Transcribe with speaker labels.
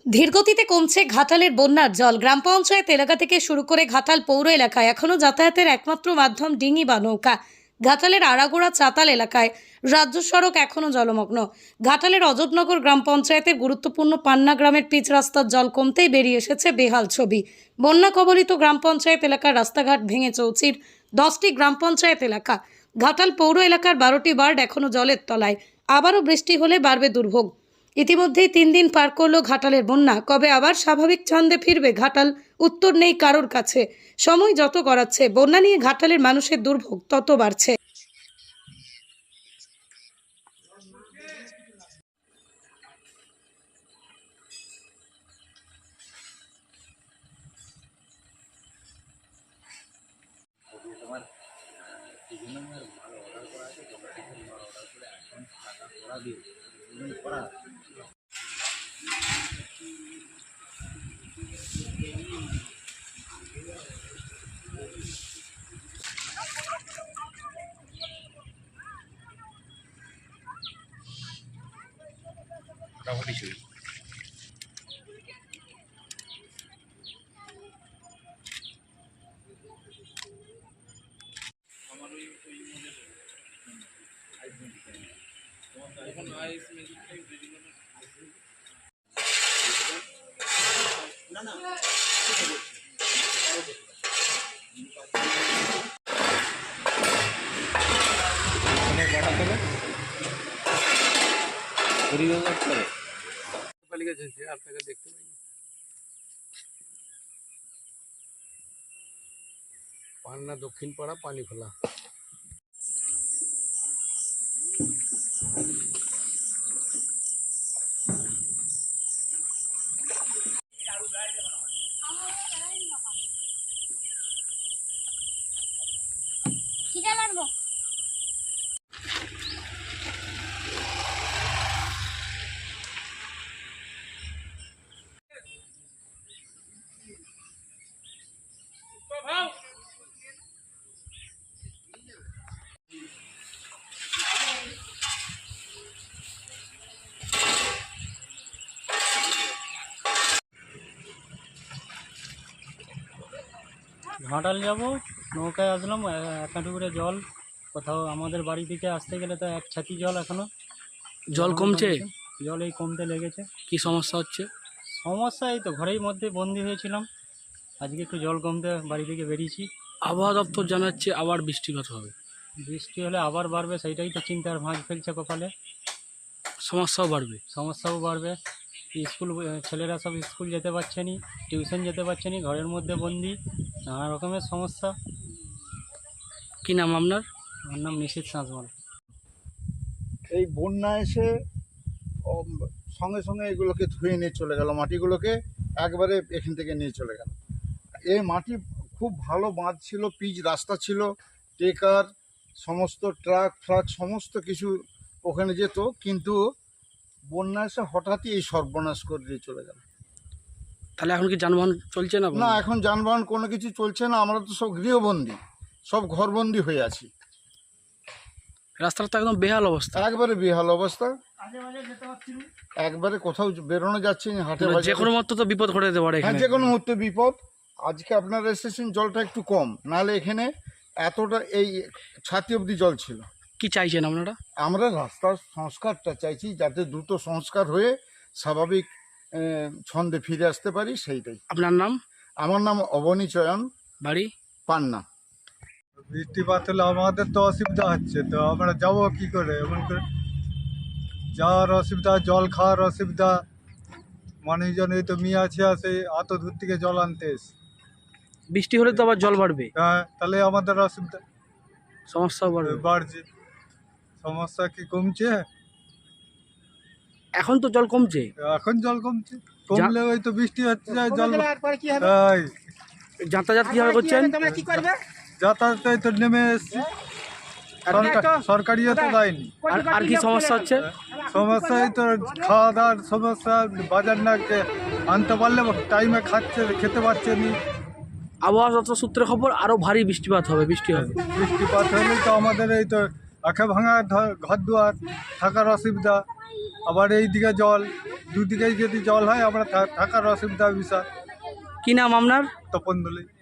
Speaker 1: ধীরগতিতে কমছে ঘাটালের বন্যার জল। গ্রাম পঞ্চায়েত এলাকা থেকে শুরু করে ঘাটাল পৌর এলাকায় এখনও যাতায়াতের একমাত্র মাধ্যম ডিঙি বা নৌকা। ঘাটালের আড়াগোড়া চাতাল এলাকায় রাজ্য সড়ক এখনও জলমগ্ন। ঘাটালের অজবনগর গ্রাম পঞ্চায়েতের গুরুত্বপূর্ণ পান্না গ্রামের পিচ রাস্তার জল কমতেই বেরিয়ে এসেছে বেহাল ছবি। বন্যা কবলিত গ্রাম পঞ্চায়েত এলাকার রাস্তাঘাট ভেঙে চৌচির 10টি গ্রাম পঞ্চায়েত এলাকা। ঘাটাল পৌর এলাকার 12টি ওয়ার্ড এখনও জলের তলায়। আবারও বৃষ্টি হলে বাড়বে দুর্ভোগ। ইতিমধ্যেই 3 দিন পার করলো ঘাটালের বন্যা। কবে আবার স্বাভাবিক ছন্দে ফিরবে ঘাটাল, উত্তর নেই কারোর কাছে। সময় যত গড়াচ্ছে বন্যা নিয়ে ঘাটালের মানুষের দুর্ভোগ তত বাড়ছে।
Speaker 2: মোটামুটি শুরু।
Speaker 3: পান্না দক্ষিণ পাড়া পানি খোলা।
Speaker 4: ঘাটাল যাব, নৌকায় আসলাম, এক হাঁটু করে জল। কোথাও আমাদের বাড়ি থেকে আসতে গেলে তো এক ছাতি জল এখনো।
Speaker 3: জল কমছে?
Speaker 4: জল এই কমতে লেগেছে।
Speaker 3: কি সমস্যা হচ্ছে?
Speaker 4: সমস্যা এই তো ঘরের মধ্যে বন্দি হয়েছিলাম, আজকে একটু জল কমতে বাড়ি থেকে বেরিয়েছি।
Speaker 3: আবহাওয়া দপ্তর জানাচ্ছে আবার বৃষ্টিপাত হবে।
Speaker 4: বৃষ্টি হলে আবার বাড়বে, সেইটাই তো চিন্তার ভাঁজ ফেলছে কপালে।
Speaker 3: সমস্যাও বাড়বে।
Speaker 4: সমস্যাও বাড়বে। স্কুল ছেলেরা সব স্কুল যেতে পারছে না, টিউশন যেতে পারছে না, ঘরের মধ্যে বন্দি, নানা রকমের সমস্যা।
Speaker 3: কি নাম আপনার?
Speaker 4: আমার নাম নিশীথ সাঁতমাল।
Speaker 5: এই বন্যা এসে সঙ্গে সঙ্গে এগুলোকে ধুয়ে নিয়ে চলে গেল, মাটিগুলোকে একবারে এখান থেকে নিয়ে চলে গেল। এই মাটি খুব ভালো বাঁধ ছিল, পিচ রাস্তা ছিল, টেকার সমস্ত ট্রাক ফ্রাক সমস্ত কিছু ওখানে যেত, কিন্তু বন্যা এসে হঠাৎই এই সর্বনাশ করে দিয়ে চলে গেল।
Speaker 3: তাহলে এখন কি যানবাহন চলছে না?
Speaker 5: না, এখন যানবাহন কোনো কিছু চলছে না। আমরা তো সব গৃহবন্দী, সব ঘরবন্দি হয়ে আছি।
Speaker 3: রাস্তাটা তো একদম বেহাল অবস্থা।
Speaker 5: একবারে বেহাল অবস্থা, একবারে কোথাও বেরোনো যাচ্ছে না, হাটে বাজারে
Speaker 3: যে কোনো মুহূর্তে তো বিপদ ঘটে যেতে পারে
Speaker 5: হ্যাঁ,
Speaker 3: এখানে।
Speaker 5: যে কোনো মুহূর্তে বিপদ। আজকে আপনারা এসেছেন, জলটা একটু কম, নাহলে এখানে এতটা এই ছাতি অবধি জল ছিল।
Speaker 3: কি চাইছেন আপনারা? আমরা
Speaker 5: রাস্তার সংস্কারটা চাইছি, যাতে দ্রুত সংস্কার হয়ে স্বাভাবিক ছন্দে ফিরে আসতে পারি, সেইটাই।
Speaker 3: আপনার নাম?
Speaker 5: আমার নাম অবনী চয়ন,
Speaker 3: বাড়ি
Speaker 5: পান্না।
Speaker 6: বৃষ্টিপাত হলে আমাদের তো অসুবিধা হচ্ছে, তো আমরা যাবো কি করে? এমন করে যাওয়ার অসুবিধা, জল খাওয়ার অসুবিধা। মানুষজন এই তো মিয়া আছে আসে এত দূর থেকে জল আনতে এসে,
Speaker 3: বৃষ্টি হলে তো আবার জল বাড়বে।
Speaker 6: হ্যাঁ, তাহলে আমাদের অসুবিধা
Speaker 3: সমস্যাও বাড়বে।
Speaker 6: বাড়ছে। সমস্যা কি কমছে?
Speaker 3: এখন তো জল কমছে।
Speaker 6: এখন জল কমছে, কমলে ওই তো বৃষ্টি হচ্ছে, জল এই
Speaker 3: যাতায়াত কিভাবে করছেন?
Speaker 6: যাতায়াত এই তো নেমে এসছি, সরকারিও তো দেয়নি।
Speaker 3: আর কি সমস্যা হচ্ছে?
Speaker 6: সমস্যা এই তো খাওয়া দাওয়ার সমস্যা, বাজার না আনতে পারলে টাইমে খেতে পারছে নি।
Speaker 3: আবহাওয়া দপ্তর সূত্রে খবর আরো ভারী বৃষ্টিপাত হবে।
Speaker 6: বৃষ্টিপাত হলেই তো আমাদের এই তো আঁখে ভাঙা ঘর দুয়ার, থাকার অসুবিধা, আবার এইদিকে জল, দুদিকেই যদি জল হয় আমরা থাকার অসুবিধা বিশাল।
Speaker 3: কি নাম আপনার?
Speaker 6: তপন দোলে।